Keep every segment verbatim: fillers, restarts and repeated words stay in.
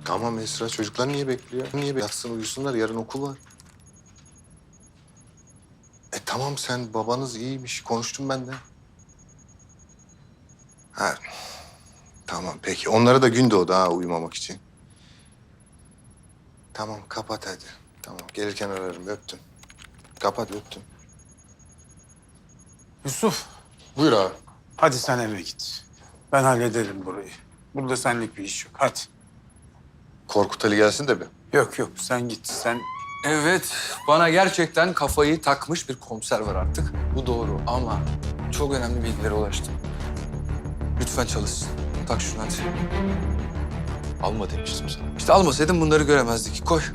Tamam Esra, çocuklar niye bekliyor? Niye yatsın uyusunlar, yarın okul var. E tamam, sen babanız iyiymiş, konuştum ben de. Ha, tamam peki. Onlara da gün doğdu ha uyumamak için. Tamam kapat hadi. Tamam gelirken ararım, öptüm. Kapat, öptüm. Yusuf, Buyur abi. hadi sen eve git. Ben hallederim burayı. Burada senlik bir iş yok. Hadi. Korkut Ali gelsin de bir. Yok yok, sen git. Sen Evet, bana gerçekten kafayı takmış bir komiser var artık. Bu doğru ama çok önemli bilgilere ulaştım. Lütfen çalışsın. Tak şunu hadi. Alma demiştim sana. İşte almasaydım bunları göremezdik. Koy.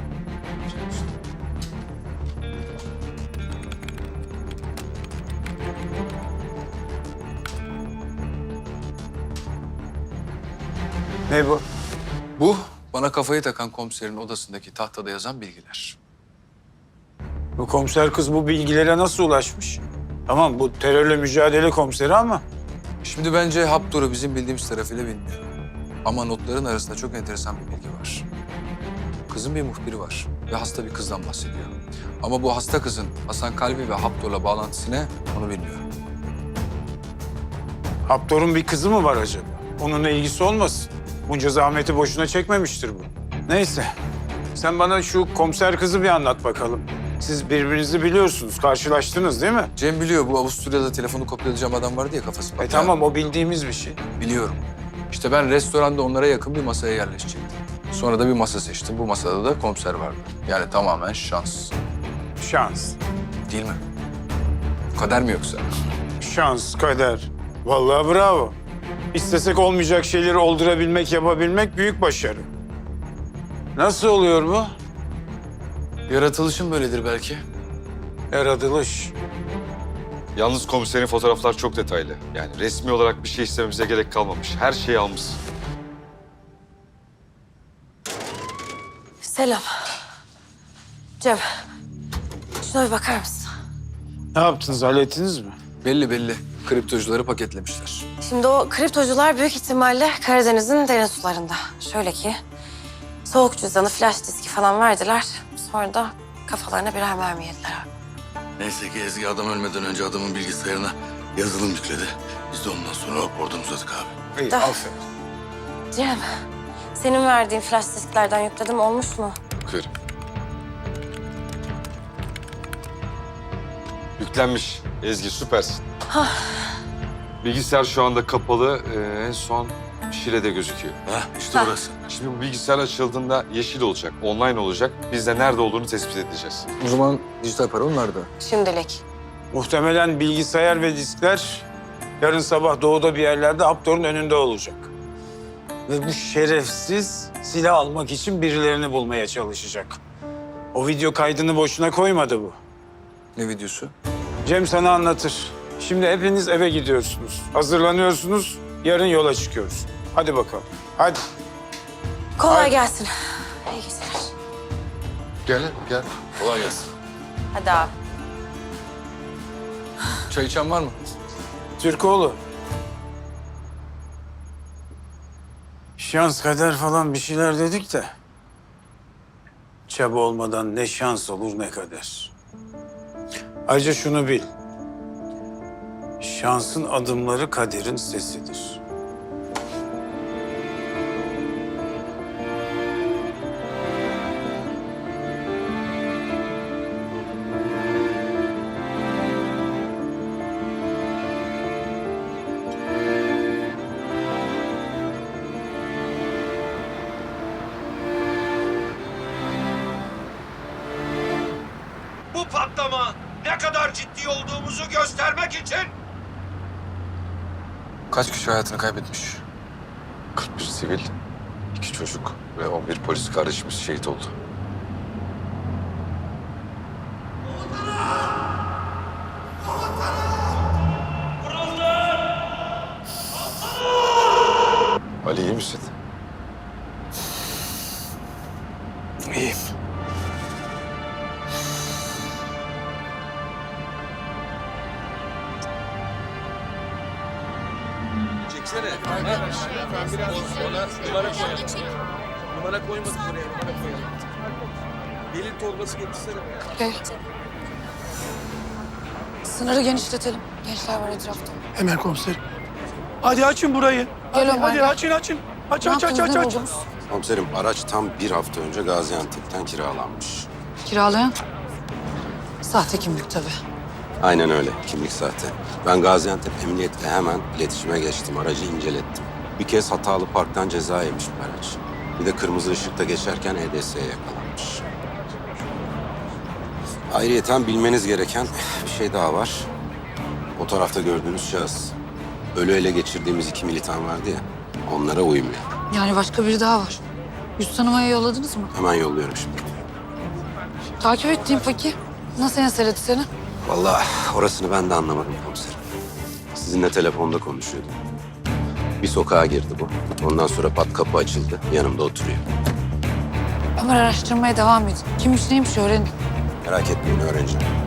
ne bu? Bu bana kafayı takan komiserin odasındaki tahtada yazan bilgiler. Bu komiser kız bu bilgilere nasıl ulaşmış? Tamam, bu terörle mücadele komiseri ama Şimdi bence Haptor'u bizim bildiğimiz tarafıyla bilmiyor. Ama notların arasında çok enteresan bir bilgi var. Kızın bir muhbiri var ve hasta bir kızdan bahsediyor. Ama bu hasta kızın Hasan Kalbi ve Haptor'la bağlantısı ne onu bilmiyorum. Haptor'un bir kızı mı var acaba? Onunla ilgisi olmasın. Bunca zahmeti boşuna çekmemiştir bu. Neyse, sen bana şu komiser kızı bir anlat bakalım. Siz birbirinizi biliyorsunuz, karşılaştınız değil mi? Cem biliyor, bu Avusturya'da telefonu kopyalayacağım adam vardı ya, kafası E patlayan. tamam, o bildiğimiz bir şey. Biliyorum. İşte ben restoranda onlara yakın bir masaya yerleşecektim. Sonra da bir masa seçtim. Bu masada da komiser vardı. Yani tamamen şans. Şans. Değil mi? Kader mi yoksa? Şans, kader. Vallahi bravo. İstesek olmayacak şeyleri oldurabilmek, yapabilmek büyük başarı. Nasıl oluyor bu? Yaratılışım böyledir belki. Yaratılış. Yalnız komiserin fotoğraflar çok detaylı. Yani resmi olarak bir şey istememize gerek kalmamış. Her şeyi almışsın. Selam. Cem, şuna bir bakar mısın? Ne yaptınız, hallettiniz mi? Belli belli. Kriptocuları paketlemişler. Şimdi o kriptocular büyük ihtimalle Karadeniz'in derin sularında. Şöyle ki, soğuk cüzdanı, flash diski falan verdiler. Sonra da kafalarına birer mermi yediler abi. Neyse ki Ezgi adam ölmeden önce adamın bilgisayarına yazılım yükledi. Biz de ondan sonra oradan uzadık abi. İyi, Da- aferin. Cem, senin verdiğin flash disklerden yükledim, olmuş mu? Bakıyorum. Yüklenmiş. Ezgi süpersin. Bilgisayar şu anda kapalı. Ee, en son Şile'de gözüküyor. Ha işte orası. Şimdi bu bilgisayar açıldığında yeşil olacak, online olacak. Biz de nerede olduğunu tespit edeceğiz. O zaman dijital para onlarda. Şimdilik. Muhtemelen bilgisayar ve diskler yarın sabah doğuda bir yerlerde Haptor'un önünde olacak. Ve bu şerefsiz silah almak için birilerini bulmaya çalışacak. O video kaydını boşuna koymadı bu. Ne videosu? Cem sana anlatır. Şimdi hepiniz eve gidiyorsunuz. Hazırlanıyorsunuz. Yarın yola çıkıyoruz. Hadi bakalım. Hadi. Kolay Haydi. gelsin. İyi geceler. Gel gel. Kolay gelsin. Hadi abi. Çay içen var mı? Türkoğlu. Şans, kader falan bir şeyler dedik de. Çaba olmadan ne şans olur ne kader. Ayrıca şunu bil. Şansın adımları kaderin sesidir. Bu patlama ne kadar ciddi olduğumuzu göstermek için Kaç kişi hayatını kaybetmiş? kırk bir sivil, iki çocuk ve on bir polis kardeşimiz şehit oldu. Ali iyi misin? İyiyim. çeksene. Biraz ona numara koyalım. bana koymadın buraya, bana koyalım. Belin torbası getirsene be ya. Gel. Sınırı genişletelim. Gençler var etrafta. Hemen komiserim. Hadi açın burayı. Gel Ömer. Hadi açın açın. Aç Ne aç aç yaptınız, aç ne aç. buldunuz? Komiserim araç tam bir hafta önce Gaziantep'ten kiralanmış. Kiralayan? Sahte kimlik tabii. Aynen öyle. Kimlik sahte. Ben Gaziantep Emniyet'le hemen iletişime geçtim. Aracı incelettim. Bir kez hatalı parktan ceza yemiş bu araç. Bir de kırmızı ışıkta geçerken E D S'ye yakalanmış. Ayrıyeten bilmeniz gereken bir şey daha var. Fotoğrafta gördüğünüz şahıs. Ölü ele geçirdiğimiz iki militan vardı ya. Onlara uymuyor. Yani başka biri daha var. Yüz tanımaya yolladınız mı? Hemen yolluyorum şimdi. Takip ettiğim peki. Nasıl enseledi seni? Vallahi orasını ben de anlamadım komiserim. Sizinle telefonda konuşuyordum. Bir sokağa girdi bu. Ondan sonra pat kapı açıldı. Yanımda oturuyor. Ömer araştırmaya devam edin. Kimmiş neymiş öğrenin. Merak etmeyin öğreneceğim.